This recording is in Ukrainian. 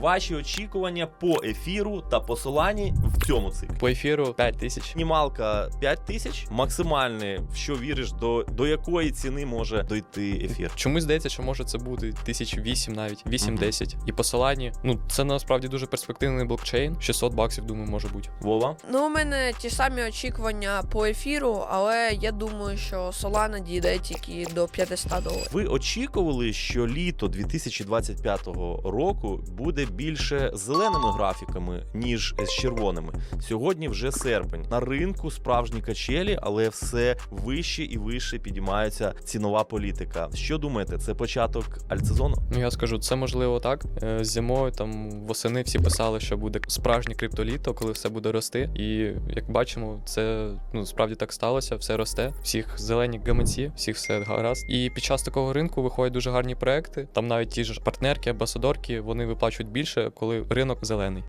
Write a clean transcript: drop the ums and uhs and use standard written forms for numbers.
Ваші очікування по ефіру та по Солані в цьому циклі. По ефіру 5000. Мінімалка 5000, максимальне, в що віриш, до якої ціни може дойти ефір. Чомусь здається, що може це бути 1008 навіть, 8-10. І по Солані, це насправді дуже перспективний блокчейн. $600, думаю, може бути. Вова? У мене ті самі очікування по ефіру, але я думаю, що Solana дійде тільки до $500. Ви очікували, що літо 2025 року буде більше зеленими графіками, ніж з червоними? Сьогодні вже серпень. На ринку справжні качелі, але все вище і вище підіймається цінова політика. Що думаєте, це початок альтсезону? Я скажу, це можливо так. Зимою, восени всі писали, що буде справжнє криптоліто, коли все буде рости. І як бачимо, це справді так сталося, все росте. Всіх зелені гаманці, всіх все гаразд. І під час такого ринку виходять дуже гарні проекти. Там навіть ті ж партнерки, амбасадорки, вони виплачують більше, коли ринок зелений.